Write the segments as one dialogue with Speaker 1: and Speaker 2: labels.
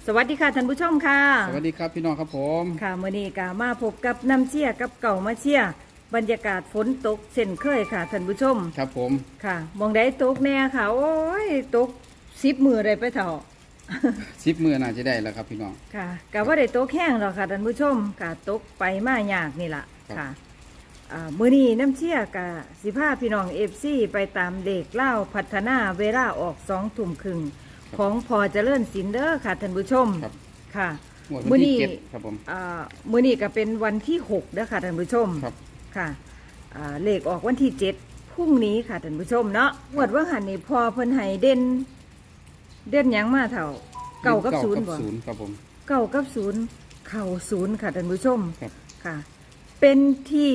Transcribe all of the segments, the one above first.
Speaker 1: สวัสดีค่ะท่านผู้ชมค่ะ
Speaker 2: สวัสดีครับพี่น้องครับผม
Speaker 1: ค่ะมื้อนี้ก็มาพบกับน้ำเชี่ยกับเก่ามาเชี่ยบรรยากาศฝนตกเช่นเคยค่ะท่านผู้ชม
Speaker 2: ครับผม
Speaker 1: ค่ะมองได้ตกแน่ค่ะโอ้ยตก10 มื้อได้ไปเท่า
Speaker 2: 10 มื้อน่าจะได้แล้วครับพี่น้อง
Speaker 1: ค่ะก็ว่าได้ตกแห้งหรอกค่ะท่านผู้ชมค่ะตกไปมายากนี่ล่ะ
Speaker 2: ครับ
Speaker 1: ค่ะมื้อนี้น้ำเชี่ยกับสิพาพี่น้อง FC ไปตามเด็กเล่าพัฒนาเวลาออก2 ทุ่มครึ่งของพอเจริญศิลป์เด้อค่ะท่านผู้ชม
Speaker 2: ครับ
Speaker 1: ค่ะ
Speaker 2: งวดวันที่7ครับผม
Speaker 1: มื้อนี้ก็เป็นวันที่6นะคะท่านผู้ชม
Speaker 2: ครับ
Speaker 1: ค่ะเลขออกวันที่7พรุ่งนี้ค่ะท่านผู้ชมเนาะงวดว่าหันนี่พอเพิ่นให้เด่นหยังมาเท่าเก้ากับศูนย์บ่
Speaker 2: ศูนย์ครับผม
Speaker 1: เก้ากับศูนย์เข่าศูนย์ค่ะท่านผู้ชม
Speaker 2: ครับ
Speaker 1: ค่ะ เป็นที่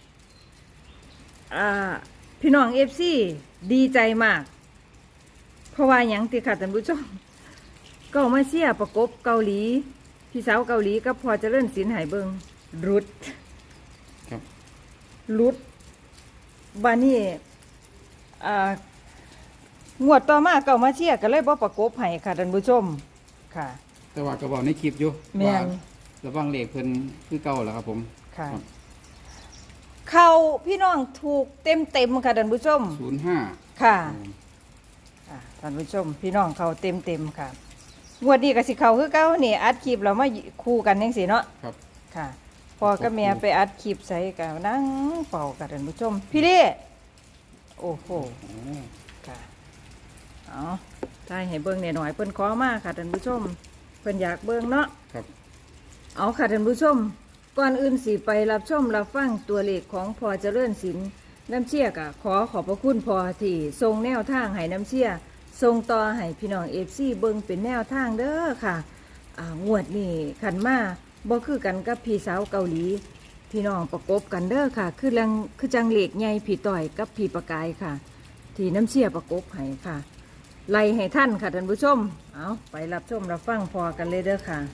Speaker 1: พี่น้องFC ดีใจมาก เพราะว่าหยังติค่ะท่านผู้ชมก็มาเชียร์ประกบเกาหลีพี่สาวเกาหลีก็พอเจะเลื่อนสินหายเบิงรุด
Speaker 2: ครับ
Speaker 1: รุดบานี่งวดต่อมาเก่ามาเชียร์ก็เลยบ่ประกบให้ค่ะท่านผู้ชมค่ะ
Speaker 2: แต่ว่าก็บอกในคลิปอยู่
Speaker 1: แม่น
Speaker 2: ว่าระวังเลขเพิ่นคือเก่าแล้วครับผม
Speaker 1: ค่ะ
Speaker 2: ครับ
Speaker 1: เขาพี่น้องถูกเต็มค่ะท่านผู้ชม
Speaker 2: 05
Speaker 1: ค่ะท่านผู้ชม พี่น้องเขาเต็มค่ะงวดนี้ก็สิเขาคือเก่านี่อัดคลิปเรามาคู่กันจังซี่เนาะ
Speaker 2: ครับ
Speaker 1: ค่ะพ่อกับแม่ไปอัดคลิปใส่กันนั่งเป่ากันท่านผู้ชม พี่เล่โอ้โห
Speaker 2: โอ้
Speaker 1: ค่ะเอาทายให้เบิ่งหน่อยๆเพิ่นขอมาค่ะท่านผู้ชมเพิ่นอยากเบิ่งเนาะ
Speaker 2: ครับ
Speaker 1: เอาค่ะท่านผู้ชมก่อนอื่นสิไปรับชมรับฟังตัวเลขของพ่อเจริญศิลป์น้ำเชี่ยกะขอขอบพระคุณพ่อที่ทรงแนวทางให้น้ำเชี่ยทรงต่อให้พี่น้องFCเบิ่งเป็นแนวทางเด้อค่ะงวดนี้ขันมาบ่คือกันกับพี่สาวเกาหลี พี่น้องประกบกันเด้อค่ะคือจังเหล็กใหญ่พี่ต่อยกับพี่ประกายค่ะ ที่น้ำเชี่ยประกบให้ค่ะไล่ให้ท่านค่ะท่านผู้ชมเอาไปรับชมรับฟังพอกันเลยเด้อค่ะ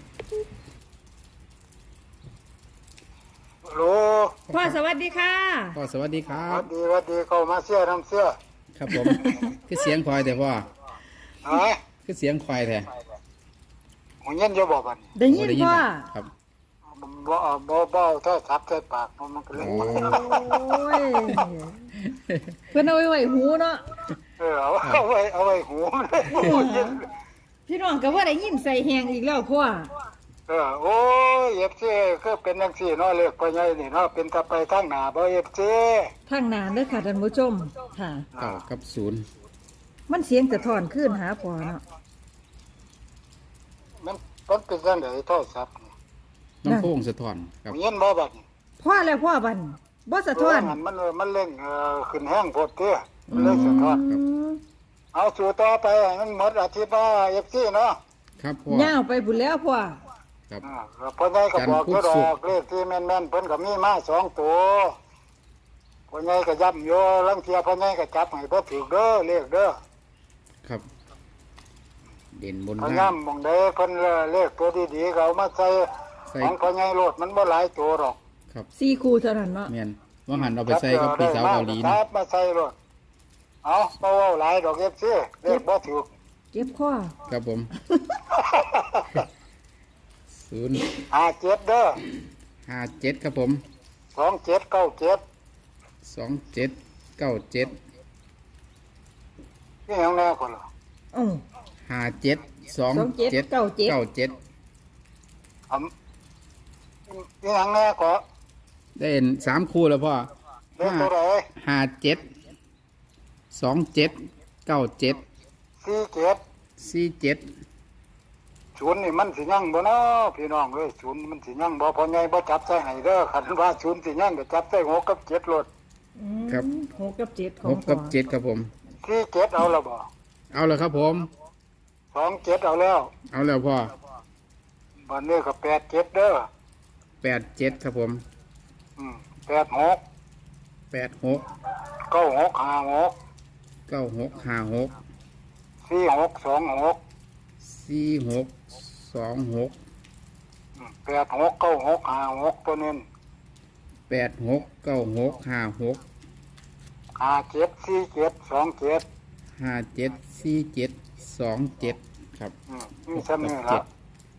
Speaker 3: โหล
Speaker 1: พ่อสวัสดีค่ะ
Speaker 2: ก็สวัสดีครั
Speaker 3: วั
Speaker 2: บ
Speaker 3: ดดีวัดดีเข้ามาเสื้อน้ำเสื้อ
Speaker 2: ครับผม คือเสียงควายแต่พ่อ
Speaker 3: ฮะ
Speaker 2: คือเสียงควายแท้
Speaker 3: หงเย็นจะบอกกัน
Speaker 1: ได้ยินพ่อ
Speaker 2: ครับ
Speaker 3: บ่ถ้าทับใส่ปากมันก็เลย
Speaker 2: โอ้
Speaker 1: โอ้ยเพื่อนเอาไว้หูเนาะ
Speaker 3: เอาไว้หูเลยหงเย็น
Speaker 1: พี่น้องก็ว่าได้ยินใส่แหงอีกแล้วพ่อ
Speaker 3: โอ้ยเอฟซีก็เป็นจังซี่เนาะเรียกไปไงนี่เนาะเป็นตะไปทางหน้าบ่เอฟซี
Speaker 1: ทางนานเด้อค่ะท่านผู้ชมค่ะ
Speaker 2: เก้ากับศูนย์
Speaker 1: มันเสียงจะถอนขึ้นหาพ่อเนาะ
Speaker 3: มันเป็นจังได๋โทรศัพท์
Speaker 2: น้ำโค้งสะท้อนค
Speaker 3: ห
Speaker 2: รับ
Speaker 3: งเย็นบ่บัด
Speaker 1: พ่อแล้วพ่อบันบ่สะท้อน
Speaker 3: มันเล่นขึ้นแห้งโพดเด้อมันเล่นสะท้อน
Speaker 1: อืม
Speaker 3: เอาสู่ต่อไปมันหมดอาทิตย์ว่าเอฟซีเนาะ
Speaker 2: ครับพ่อ
Speaker 1: ย่าวไปบุญแล้วพ่อ
Speaker 2: ครับ
Speaker 3: เพิ่นได้ก็บอกอยู่ด
Speaker 2: จันทร์พุธศุ
Speaker 3: อก
Speaker 2: ร์
Speaker 3: เลขที่แม่นๆเพิ่นก็มีมา2ตัวเพิ่นใหญ่ก็ย้ำอยู่ลังเทียเพิ่นใหญ่ก็จับให้บ่ถูกเด้อเลขเด้อ
Speaker 2: ครับ เด่นบน
Speaker 3: เพิ่น
Speaker 2: ล่าง
Speaker 3: ย้ำหม่องใดเพิ่นเลขตัวดีๆก็เอามาใส่
Speaker 2: ใส่
Speaker 3: ของเพิ่นใหญ่โลดมันบ่หลายตัวหรอก
Speaker 2: ครับ
Speaker 1: 4คู่เท่านั้นเนาะ
Speaker 2: แมนว่าหันเอาไปใส่กับพี่สาวเกาหลี
Speaker 3: ค
Speaker 2: นะ
Speaker 3: รับมาใส่โลดเอาบ่เว้าหลายดอก FC เลขบ่ถูก
Speaker 1: เก็บข้อ
Speaker 2: ครับผมศูนย์
Speaker 3: 57เด้อ
Speaker 2: 57ครับผม
Speaker 3: 2797
Speaker 2: 2797
Speaker 3: นี่หยังแน่คนล่ะ
Speaker 1: อ้อ
Speaker 2: 572797
Speaker 3: อำนี่หยังแน่ก็
Speaker 2: ได้เห็น3คู่แล้วพ่อ
Speaker 3: เลขตัวใด
Speaker 2: 572797
Speaker 3: 47
Speaker 2: 47
Speaker 3: ศูนย์นี่มันสิยั่งบ่เนาะพี่น้องเอ้ยศูนย์มันสิยั่งบ่พอใหญ่บ่จับใส่ให้เด้อคันว่าศูนย์สิยั่งก็จับใส่6กับ7โลด
Speaker 1: อืม
Speaker 2: ครับ
Speaker 1: 6กับ7ของ
Speaker 2: 6กับ7ครับผม
Speaker 3: 47เอาแล้วบ่
Speaker 2: เอาแล้วครับผม
Speaker 3: 27เอาแล้ว
Speaker 2: เอาแล้วพ่อ
Speaker 3: บัดนี้ก็87เด้อ
Speaker 2: 87ครับผม
Speaker 3: 86
Speaker 2: 86
Speaker 3: 9656
Speaker 2: 9656
Speaker 3: 4626
Speaker 2: 4626
Speaker 3: 869656ตัวนี้
Speaker 2: 869656
Speaker 3: 574727
Speaker 2: 574727ครับ
Speaker 3: นี่ซ้ำนี่ล่ะ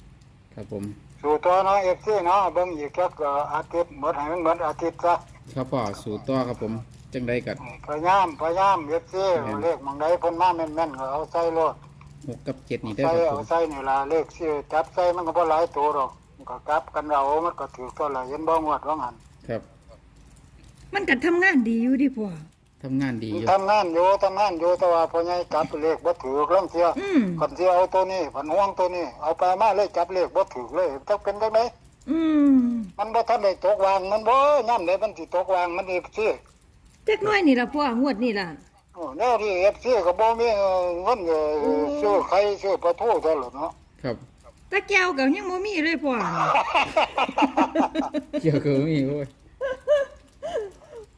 Speaker 2: ครับผม
Speaker 3: สู่ตัวเนาะ FC เนาะเบิ่งอีกจักอาทิตย์หมดให้มันหมดอาทิตย์ซะ
Speaker 2: ครับพ่อสู่ต่อครับผมจังได้กัด
Speaker 3: พยายามFC เลขหม่องใดเพิ่นมาแม่นๆก็เอาใส่โลด
Speaker 2: 6 กับ 7นี่ได้อ
Speaker 3: ใส่
Speaker 2: ครับผ
Speaker 3: เอา
Speaker 2: ม
Speaker 3: ใส่นี่ล่ะเลขสิจับใส่มันก็บ่หลายตัวหรอกมันก็กลับกันเอามันก็ถูกตัวละเห็นบ่งวดว่างั้น
Speaker 2: ครับ
Speaker 1: มันก็ทำงานดีอยู่ดิพ่อ
Speaker 2: ทำงานดีอยู่
Speaker 3: ทำงานอยู่แต่ว่าพ่อใหญ่จับเลขบ่ถูกลางเที่ย
Speaker 1: อืม
Speaker 3: คนที่เอาตัวนี้ผันห่วงตัวนี้เอาไปมาเลยจับเลขบ่ถูกเลยจักเป็นจังได๋
Speaker 1: อืม
Speaker 3: มันบ่ทันได้ตกวางมันบ่ย่ํใดมันสิตกวางมันFC
Speaker 1: จักหน้อยนี่ล่ะพ่องวดนี่ล่ะ
Speaker 3: โอ้แนวที่ FC ก็บ่มีเงินซื้อไข่ซื้อปลาทูเท่านั้นเนาะ
Speaker 2: ครับ
Speaker 1: ตะแก้วก็ยังบ่มีเลยพ่อ
Speaker 2: เกี่ยวกับมีโอ้ย
Speaker 1: โอ้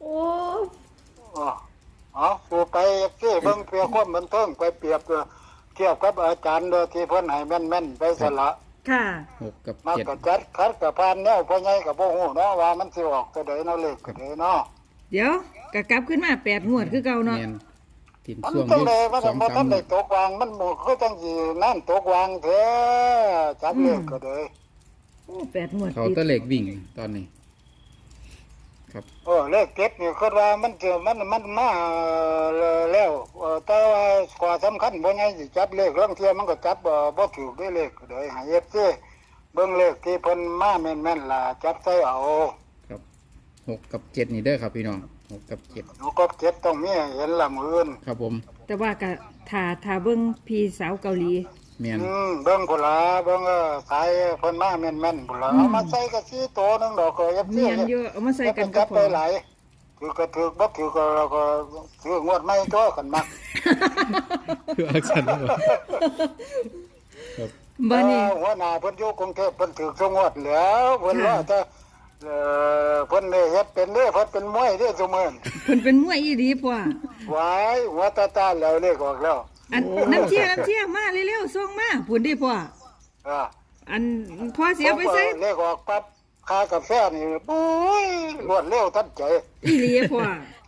Speaker 3: เอาสู่ไปFC เบิ่งเพื่อความบันเทิงไปเปรียบเทียบกับอาจารย์โดยที่เพิ่นให้แม่นๆไปสละ
Speaker 1: ค่ะ
Speaker 2: 6 กับ
Speaker 3: มา
Speaker 2: 7
Speaker 3: ก็จัดคัดกับพานแนวพ่อใหญ่ก็บ่ฮู้เนาะว่ามันสิออกตัวใดเนาะเลขก็ได้เนาะ
Speaker 1: เดี๋ยวก็กลับขึ้นมา8งวดคือเก่าเนาะ
Speaker 2: แม่นทิน
Speaker 3: มัน
Speaker 2: ช่วง
Speaker 3: จัง
Speaker 2: นี้
Speaker 3: ได๋มัน
Speaker 2: 2
Speaker 3: บ่ทัน
Speaker 2: 3
Speaker 3: ได้ตกวางมันบ่คือจังสินั่นตกวางแท้จับเลขก็ได้
Speaker 1: โอ้8งวด
Speaker 2: เขา
Speaker 1: ติด
Speaker 2: ตะเหล็กวิ่งตอนนี้ ครับ
Speaker 3: เลขเก็บนี่คิดว่ามันจะมันมาแล้วแต่ว่าข้อสำคัญบ่ใหญ่สิจับเลขลางเที่ยมันก็จับบ่ถูกด้วยเลขก็ได้ให้ FC เบิ่งเลขที่เพิ่นมาแม่นๆล่ะจับใส่เอา
Speaker 2: ครับ6 กับ 7นี่เด้อครับพี่น้อง6 กับ 7
Speaker 3: หนูก็เก็บต้องมีให้เห็นละมื้ออื่น
Speaker 2: ครับผม
Speaker 1: แต่ว่าก็ถ้าเบิ่งพี่สาวเกาหลี
Speaker 2: แม่น
Speaker 3: เบิ่งพุ่นล่ะเบิ่งสายเพิ่นมาแม่นๆพุ่นล่ะเอามาใส่ก็สิโตนึงดอกก็ยับ
Speaker 1: เมียนอยู่เอามาใส่กันกั
Speaker 3: จั
Speaker 1: บบ พ่
Speaker 3: ไป
Speaker 1: อ
Speaker 3: หลายถือก็ถือบ่ถือก็เราก็ถืองวดใหม่ตัวกันมัก
Speaker 2: คืออาจารย์ว่าครับ
Speaker 1: บ่นี่
Speaker 3: หัวหน้าเพิ่นอยู่กรุงเทพเพิ่นถือทุกงวดแล้วเพิ่นว่าแต่เพิ่นได้เฮ็ดเป็นเด้อเพิ่นเป็นมวยเด้อซุมื้อนี้
Speaker 1: เพิ่นเป็นมวยอีหลีพ่อ
Speaker 3: หวายหัวตาๆแล้วเลขออกแล้ว
Speaker 1: อันน้ำเชี่ยมาเร็วๆส่งมาพุ่นดิพ่อ
Speaker 3: อ่า
Speaker 1: อันพ่อเสียไปใส่
Speaker 3: เลขออกปั๊บค่ากาแฟนี่โอ้ยรวดเร็วทันใจ
Speaker 1: อีหลีพ่อ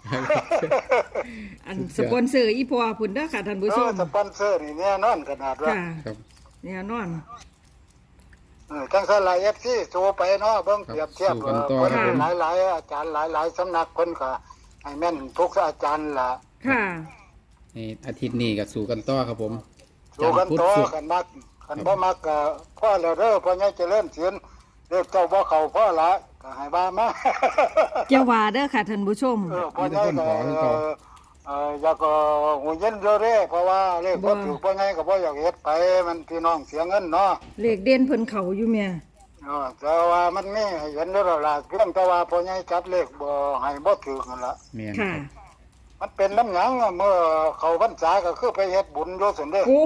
Speaker 1: อันสปอนเซอร์อีพ่อพุ่นเด้อค่ะท่านผู้ชม
Speaker 3: สปอนเซอร์นี่แน่นอนขนาดว่า
Speaker 1: ค่ะ
Speaker 2: ครับ
Speaker 1: แน่นอน
Speaker 3: จังซั่นล่ะ FC โชว์ไปเนาะเบิ่งเปรียบเทียบ
Speaker 2: สู้กันต่อ
Speaker 3: เพิ่น
Speaker 1: ค่ะ
Speaker 3: หลายๆอาจารย์หลายๆสำนักเพิ่นก็ให้แม่นทุกอาจารย์ล่ะ
Speaker 1: ค่ะ
Speaker 2: นี่อาทิตย์นี้ก็สู่กันต่อครับผม
Speaker 3: สู้กันต่อ
Speaker 2: ศุกร์
Speaker 3: กันมักกันบ่มักก็พ่อแล้วเด้อพ่อใหญ่เจริญเสียนเลขเจ้าบ่เข้าพ่อละก็ให้ว่ามา
Speaker 1: เจ้าว่าเด้อค่ะท่านผู้ชม
Speaker 3: พ่อใหญ่ก็อยากหูเย็นเด้อเด้เพราะว่าเลขบ่ถูกพ่อใหญ่ก็บ่อยากเฮ็ดไปมันพี่น้องเสียเงินเนาะ
Speaker 1: เลขเด่นเพิ่นเข้าอยู่แม่
Speaker 3: แต่ว่ามันมีให้เห็นเด้อล่ะเพียงแต่ว่าพ่อใหญ่จับเลขบ่ให้บ่ถูกนั่นล่ะ
Speaker 2: แม่น
Speaker 1: ค่ะ
Speaker 3: มันเป็นน้ำหยังเมื่อเข้าพรรษาก็คือไปเฮ็ดบุญอยู่ซั่นเด้
Speaker 1: โอ้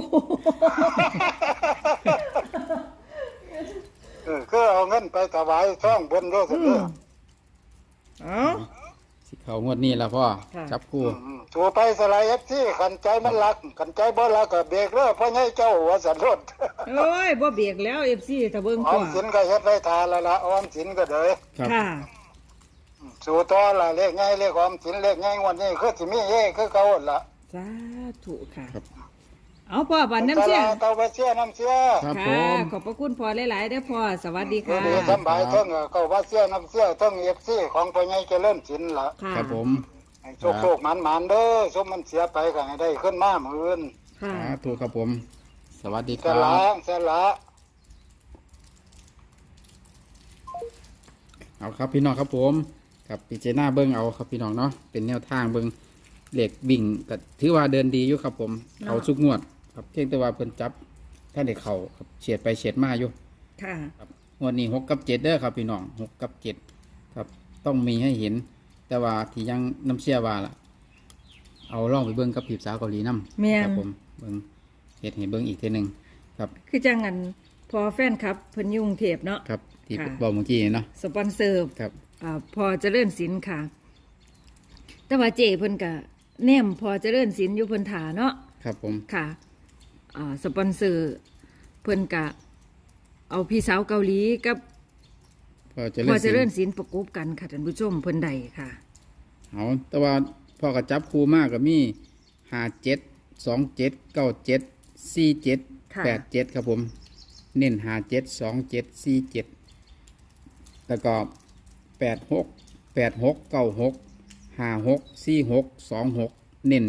Speaker 3: คือเอาเงินไปถวายช่องบุญอยู่ซั่นเด้อ
Speaker 1: เอ้า
Speaker 2: สิเขางวดนี้แล้วพ่อ
Speaker 1: ค่ะ
Speaker 2: จับคู่
Speaker 3: ตัวไปสลายที่ขันใจมันรักขันใจบ่รักก็เบรกเด้อพ่อใหญ่เจ้าว่าสันรถ
Speaker 1: โอ้ยบ่เบียกแล้ว FC ถ้าเบิ่ง
Speaker 3: ออ
Speaker 1: พ่อ
Speaker 3: มสินก็เฮ็ดไว้ทานแล้วล่ะออมสินก็เด้อ
Speaker 2: ครับ
Speaker 1: ค่ะ
Speaker 3: สู่ต่อล่ะเลขง่ายเลขออมสินเลขง่ายวันนี้คือสิมีเฮคือเก่าหั่นล่ะ
Speaker 1: สาธุค่ะ
Speaker 2: ครับ
Speaker 1: เอาพ่อบันน้ำเชี่ย
Speaker 3: เตาไปเสียน้ำเสีย
Speaker 2: ครับผ
Speaker 1: ค่ะ
Speaker 2: ม
Speaker 1: ขอบพระคุณพ่อหลายๆเด้อพ่อ สวัสดี
Speaker 3: เดี๋
Speaker 1: ค่ะ
Speaker 3: ยวสำบายเทั้งเก่าว่าเสียน้ำเสียเทั้ง FC ของพ่อใหญ่เจริญสินล่ะ
Speaker 1: ค่ะ
Speaker 2: ครับผม
Speaker 3: ให้โชคๆหมานๆเด้อสมมันเสียไปก็ให้ได้ขึ้นมามื้ออื่น
Speaker 1: ค่ะ
Speaker 2: ถูกครับผม สวัสดีค
Speaker 3: ส
Speaker 2: รั
Speaker 3: ละ
Speaker 2: บ
Speaker 3: สละ
Speaker 2: เอาครับพี่น้องครับผมครับพิจารณาเบิ้งเอาครับพี่น้องเนาะเป็นแนวทางเบิ้งเหล็กบิ่งก็ถือว่าเดินดีอยู่ครับผมเขาสุกงวดครับเพียงแต่ว่าเพิ่นจับท่านเด็กเขาครับเฉียดไปเฉียดมาอยู่
Speaker 1: ค่ะ
Speaker 2: ครับงวดนี้6 กับ 7เด้อครับพี่น้อง6 กับ 7ครับต้องมีให้เห็น แต่ว่าที่ยังน้ำเชื่อว่าล่ะ เอาล่องไปเบิ้งกับผีสาวเกาหลีน้ำ
Speaker 1: แม่น
Speaker 2: ครับผมเบิ้งเห็ดให้เบิ้งอีกทีหนึ่งครับ
Speaker 1: คือจังอันพอแฟนครับเพิ่นอยุ่กรุงเทพเนาะ
Speaker 2: ครับที่
Speaker 1: ค่ะ
Speaker 2: บอกเมื่อกี้เนาะ
Speaker 1: สปอนเซอร์
Speaker 2: ครับ
Speaker 1: พอเจริญศิลป์ค่ะ แต่ว่าเจเพิ่นก็แนมพอเจริญศิลป์อยู่เพิ่นถาเนาะ
Speaker 2: ครับผม
Speaker 1: ค่ะสปอนเซอร์เพิ่นก็เอาพี่สาวเกาหลีกับ
Speaker 2: พอเจะ
Speaker 1: พอเจ
Speaker 2: เล่น
Speaker 1: ริญศิลป์ประกบกันค่ะท่านผู้ชมเพิ่นใดค่ะ
Speaker 2: เอาแต่ว่าพ่อกระจับคู่มากกับมี57 27 97 47
Speaker 1: ค่ะ
Speaker 2: 87ครับผมเน้น572747แล้วก็869656464626เน้น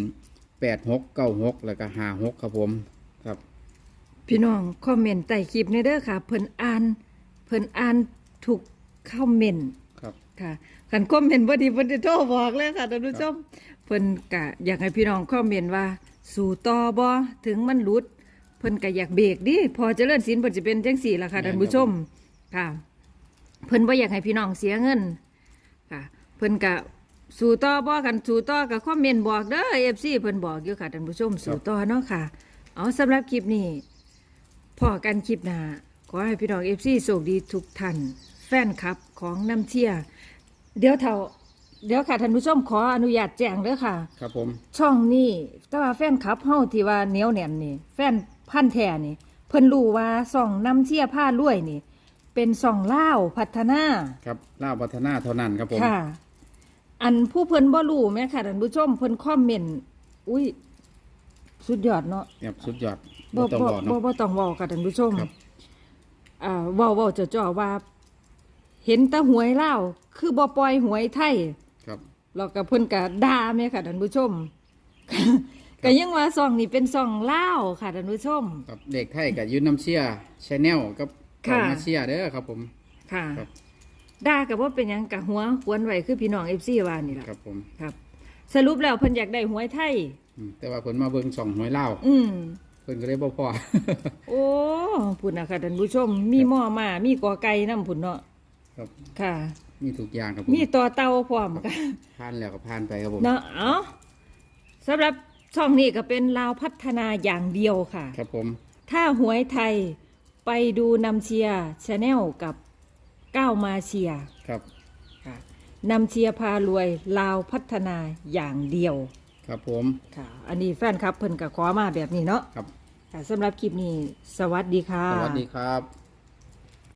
Speaker 2: 8696แล้วก็56ครับผมครับ
Speaker 1: พี่น้องคอมเมนต์ใต้คลิปในเด้อค่ะ เพิ่นอ่านทุกคอมเมนต์
Speaker 2: ครับ
Speaker 1: ค่ะคันคอมเมนต์บ่ดีเพิ่นจะโทรบอกเลยค่ะท่านผู้ชมเพิ่นก็อยากให้พี่น้องคอมเมนต์ว่า สู่ต่อบ่ถึงมันหลุด เพิ่นก็อยากเบรกดิพอเจริญศิลป์เพิ่นจะเป็นจังซี่ล่ะค่ะท่านผู้ชมค่ะ เพิ่นบ่อยากให้พี่น้องเสียเงินค่ะ เพิ่นก็สู่ต่อบ่กันสู่ต่อก็คอมเมนต์บอกเด้อ FC เพิ่นบอกอยู่ค่ะท่านผู้ชมสู่ต่อเนาะค่ะ เอาสำหรับคลิปนี้พอกันคลิปหน้าขอให้พี่น้อง FC โชคดีทุกท่านแฟนคลับของน้ำเชี่ยเดี๋ยวค่ะท่านผู้ชมขออนุญาตแจ้งเด้อค่ะ
Speaker 2: ครับผม
Speaker 1: ช่องนี้แต่ว่าแฟนคลับเฮาที่ว่าเหนียวแน่นนี่แฟนพันธุ์แท้นี่ เพิ่นรู้ว่าช่องน้ำเชี่ยผ้ารวยนี่ เป็นช่องลาวพัฒนา
Speaker 2: ครับล่าวพัฒนาเท่านั้นครับผม
Speaker 1: ค่ะ อันผู้เพิ่นบ่รู้แม่ค่ะท่านผู้ชมเพิ่นคอมเมนต์อุ้ยสุดยอดเนาะ
Speaker 2: ครับสุดยอด
Speaker 1: บ่
Speaker 2: ต้อง
Speaker 1: บ่
Speaker 2: บอกเนาะ
Speaker 1: บ่ต้องเว้าค่ะท่านผู้ชม
Speaker 2: ครับ
Speaker 1: เว้าจ่อๆว่า เห็นแต่หวยลาวคือบ่ปล่อยหวยไทย
Speaker 2: ครับ
Speaker 1: แล้วก็เพิ่นก็ด่าแม่ค่ะท่านผู้ชม ก็ยังว่าซองนี้เป็นซองลาวค่ะท่านผู้ชม
Speaker 2: ครับเด็กไทยกับยูน้ำเชียชแนลกับ
Speaker 1: ค่ะ
Speaker 2: มาเชียเด้อครับผม
Speaker 1: ค่ะ
Speaker 2: ครับ
Speaker 1: ด่าก็บ่เป็นหยังกะหัวหวนไว้คือพี่น้อง FC ว่านี่ล่ะ
Speaker 2: ครับผม
Speaker 1: ครับ สรุปแล้วเพิ่นอยากได้หวยไทย
Speaker 2: แต่ว่าเพิ่นมาเบิ่งส่องหวยเล่าว
Speaker 1: อืม
Speaker 2: เพิ่นก็เลยบ่พอ
Speaker 1: โอ้พุ่นน่ะค่ะท่านผู้ชม มีหม้อมามีกอไก่นำพุ่นเนาะ
Speaker 2: ครับ
Speaker 1: ค่ะ
Speaker 2: มีทุกอย่างครับผม
Speaker 1: มีต่อเตาพร้อมค่ะ
Speaker 2: ผ่านแล้วก็ผ่านไปครับผม
Speaker 1: เนาะเอาสำหรับช่องนี้ก็เป็นลาวพัฒนาอย่างเดียวค่ะ
Speaker 2: ครับผม
Speaker 1: ถ้าหวยไทยไปดูนำเชียร์ชาแนลกับก้าวมาเชียร์
Speaker 2: ครับ
Speaker 1: ค่ะนำเชียร์พารวยลาวพัฒนาอย่างเดียว
Speaker 2: ครับผม
Speaker 1: ค่ะ อันนี้แฟนครับเพิ่นก็ขอมาแบบนี้เนาะ
Speaker 2: ครับ
Speaker 1: ค่ะสำหรับคลิปนี้ สวัสดีค่ะ
Speaker 2: สวัสดีครับ